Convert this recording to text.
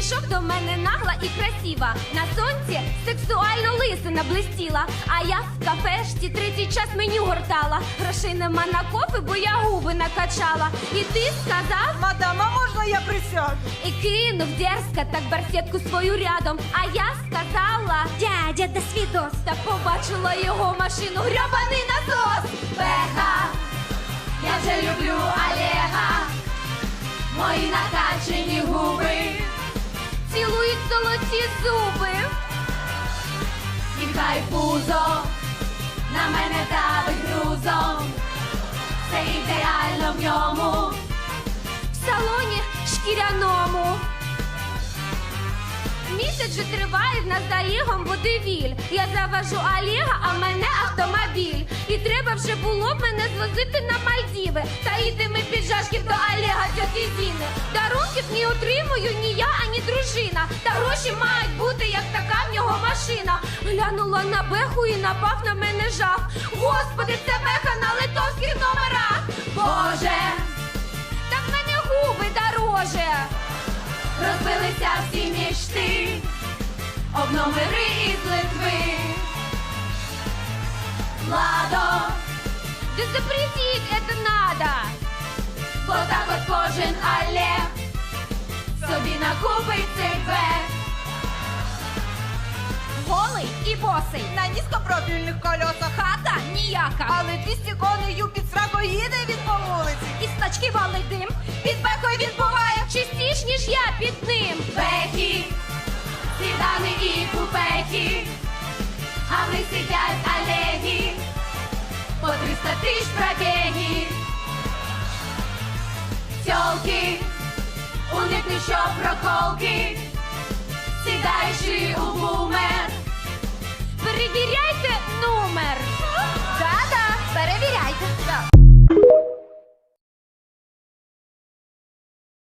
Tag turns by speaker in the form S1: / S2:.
S1: Підійшов до мене нагла і красива. На сонці сексуально лисина блистіла. А я в кафешці третій час меню гортала. Грошей нема на кофе, бо я губи накачала. І ти сказав:
S2: Мадам, а можна я присяду?
S1: і кинув дерзко так барсетку свою рядом. А я сказала: дядя, до свідос. Та побачила його машину, грьобаний насос. Беха, я вже люблю Олега. Мої накачені губи цілують золоті зуби. І хай пузо на мене давить грузом. Це ідеально в ньому, в салоні шкіряному. Місяць же триває в нас за Олегом водевіль. Я завожу Олега, а в мене автомобіль. І треба вже було б мене звозити на Мальдіви. Та їдемо під жашків до Олега тьоті Зіни. Дарунків не отримую ні я, ані дружина. Та гроші мають бути, як така в нього машина. Глянула на Беху і напав на мене жах. Господи, це Беха на литовських номерах. Боже, так в мене губи дороже. Розбилися всі мечти об номери із Литви. Ладо, да запретить это надо, бо так от кожен Олег собі накупить цей бег. Голий і босий,
S2: На низькопрофільних колесах.
S1: хата ніяка,
S2: Але 200 коней під сраку їде він по вулиці.
S1: із тачки валить дим. Під Бехою він буває частіш, ніж я під ним. Бехи, сідани і купехи, а ми сидять Олеги, по 300 тисяч пробіги. Тьолки, у них не що проколки,